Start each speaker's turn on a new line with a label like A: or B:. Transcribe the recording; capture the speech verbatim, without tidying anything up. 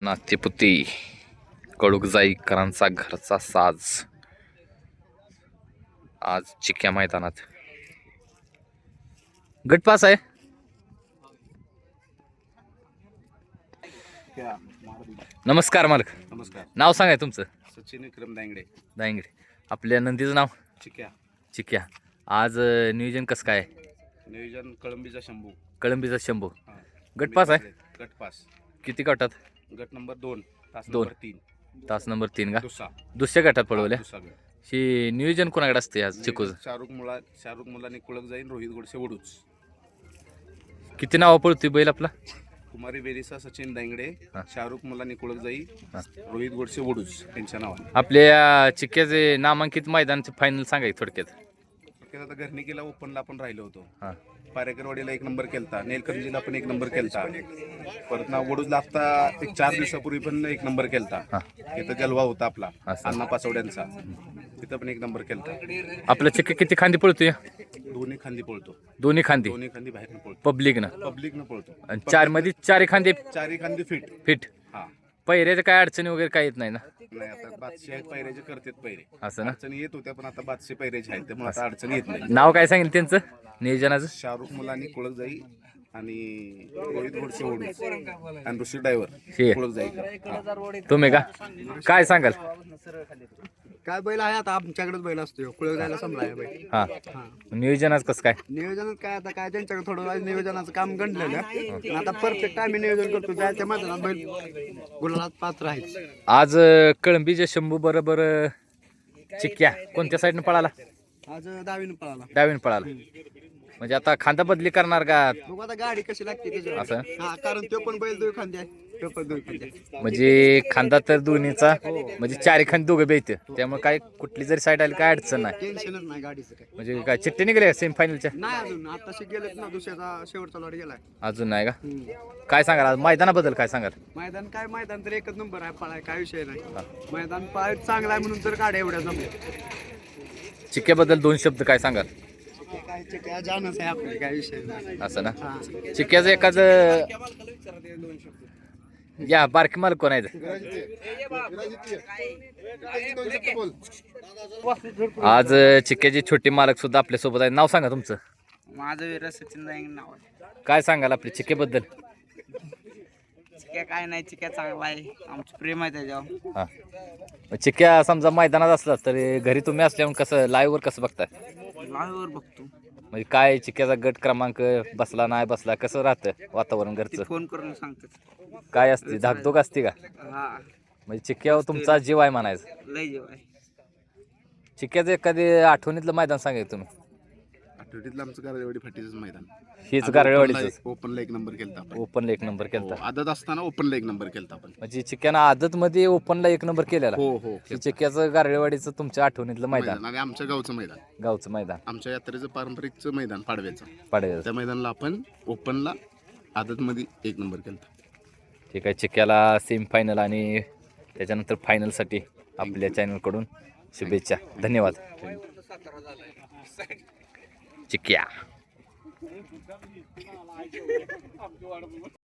A: नातेपुती कडुकजाईकरांचा घरचा साज आज चिक्या मैदानात. गटपास आहे. नमस्कार मालक.
B: नमस्कार.
A: नाव सांगाय तुमचं?
B: सचिन विक्रम दांगडे.
A: दांगडे. आपल्या नंदीचं नाव?
B: चिक्या.
A: चिक्या. आज अ, नियोजन कसं काय?
B: नियोजन कळंबीचा शंभू.
A: कळंबीचा शंभू.
B: हा.
A: गटपास आहे.
B: गटपास.
A: किती गटात?
B: गट नंबर दोन तास
A: दोन.
B: नंबर तीन
A: तास नंबर तीन का?
B: दुसरा
A: दुसऱ्या गटात पळवल्या.
B: दुसरा गट.
A: ही नियोजन कोणाकडे असते आज चिकूच?
B: शाहरुख मुला शाहरुख मुलांनी कुळक जाईन रोहित गोडसे वडूच.
A: किती नाव पळतोय बैल आपला?
B: कुमारी बेरिसा सचिन दांगडे,
A: हा.
B: शाहरुख मुलांनी कुळक जाई,
A: हा.
B: रोहित गोडसे वडूच यांच्या नावाने.
A: आपल्या चिक्याचे नामांकित मैदानचे फायनल सांगाय थोडक्यात.
B: आता घरनिकीला ओपनला आपण राहिलो होतो.
A: हा.
B: पारेकरवाडीला एक नंबर केलता, नेलकंजीला पण एक नंबर केलता, परत ना वडूजला आता एक चार दिवसापूर्वी पण एक नंबर केलता.
A: हा.
B: तिथं जलवा होता आपला
A: असं.
B: अण्णा पाचवड्यांचा, तिथं पण एक नंबर केलता.
A: आपला चिक्या किती खांदी पळतोय?
B: दोन्ही खांदी पळतो.
A: दोन्ही खांदी.
B: दोन्ही खांदी बाहेर पळतो.
A: पब्लिक ना
B: पब्लिक न पळतो.
A: आणि चार मध्ये चारी खांदे
B: चारी खांदी फिट.
A: फिट.
B: हा.
A: पहिऱ्याचं काय अडचणी वगैरे काय येत नाही ना?
B: नाही आता बादशे आहेत पैऱ्याचे करतात पैरे.
A: असं ना.
B: अडचणी येत होत्या पण आता बादशे पैऱ्याचे आहेत त्यामुळे आता अडचणी येत नाही.
A: नाव काय सांगेल त्यांचं नियोजनाचं?
B: शाहरुख मुलांनी कुळक जाई आणि रोहित गोडसे वडूच आणि ऋषी ड्रायव्हर
A: हे.
B: कुळक जाई.
A: तुम्ही का काय सांगाल?
C: काय बैल आहे आता आमच्याकडेच बैल असतो कुळक जायला समजा बैल.
A: हा. नियोजनाचं कसं काय?
C: नियोजनात काय आता काय त्यांच्याकडे थोडं वेळ नियोजनाचं काम गणलेलं पण आता परफेक्ट आम्ही नियोजन करतो जायच्या मैदानात बैल गुलालात पात्र आहे.
A: आज अ, कळंबीच्या शंभू बरोबर अ, चिक्क्या कोणत्या साईडनं पळाला?
C: आज दहावीनं पळाला.
A: डावीन पळाला. म्हणजे आता खांदा बदली करणार का?
C: बघू आता गाडी कशी लागते त्याच्यावर.
A: असं.
C: हा कारण तो पण बैल दोन खांदे आहे तो पण दोन खांदे आहे.
A: म्हणजे खांदा तर दोन्हीचा म्हणजे चारी खांदे दोघं बेत त्यामुळे काय कुठली जरी साईड आली काय अडचण नाही.
C: टेन्शनच नाही गाडीचं काय.
A: म्हणजे काय चिठ्ठी निघाली सेमीफायनलच्या?
C: नाही अजून आताशी गेलेत ना दुसऱ्याचा शेवटचा लॉट गेलाय.
A: अजून नाही का?
C: हम्म.
A: काय सांगाल आज मैदानाबद्दल काय सांगाल?
C: मैदान काय मैदान तर एकच नंबर आहे पळाय काय विषय नाही. मैदान पळाय चांगला आहे म्हणून तर गाड्या एवढ्या जमल्या.
A: चिक्क्याबद्दल दोन शब्द काय सांगाल?
C: काय काय जानच आहे आपले काय विषय नाही.
A: असं ना.
C: हा.
A: चिक्क्याचं एखाद या बारकी मालक कोण आहेत? आज अ, चिक्क्याचे छोटे मालक सुद्धा आपल्या सोबत आहेत. नाव सांगा तुमचं?
D: माझं वीर सचिन दांगडे नाव आहे.
A: काय सांगाल आपल्या चिक्क्याबद्दल?
D: चिक्या काय नाही, चिक्या चांगला आहे, आमचं प्रेम आहे त्याच्यावर.
A: हा. मग चिक्क्या समजा मैदानात असला तरी घरी तुम्ही असल्यावर कसं लाईव्हवर कसं बघताय?
D: लाईव्हवर बघतो,
A: म्हणजे काय चिक्क्याचा गट क्रमांक बसला नाही बसला कसं राहतं वातावरण
D: ते
A: घरचं?
D: फोन करून सांगतात.
A: काय असते धाकधूक असते का?
D: हा,
A: म्हणजे चिक्क्यावर तुमचा जीव आहे म्हणायचं.
D: लय जेव आहे.
A: चिक्क्याचं एखादी आठवणीतलं मैदान सांगायचं तुम्ही?
B: आठवडीतलं आमचं गारवाडी फाटीचं मैदान.
A: हीच गारळवाडीच
B: ओपनला एक नंबर केलता आपण.
A: ओपनला एक नंबर केलता.
B: हो, आदत असताना ओपनला एक नंबर केलता आपण.
A: म्हणजे चिक्क्यानं आदत मध्ये ओपनला एक नंबर केलेला.
B: हो हो
A: हे चिक्क्याचं गारळवाडीचं तुमच्या आठवणीतलं मैदान,
B: मैदान आणि आमच्या गावचं मैदान,
A: गावचं मैदान
B: आमच्या यात्रेचं पारंपरिकचं मैदान पाडव्याचं.
A: पाडव्याचं.
B: त्या मैदानाला आपण ओपनला आदत मध्ये एक नंबर केलता.
A: ठीक आहे. चिक्क्याला सेमी फायनल आणि त्याच्यानंतर फायनलसाठी आपल्या चॅनलकडून शुभेच्छा. धन्यवाद. चिक्क्या.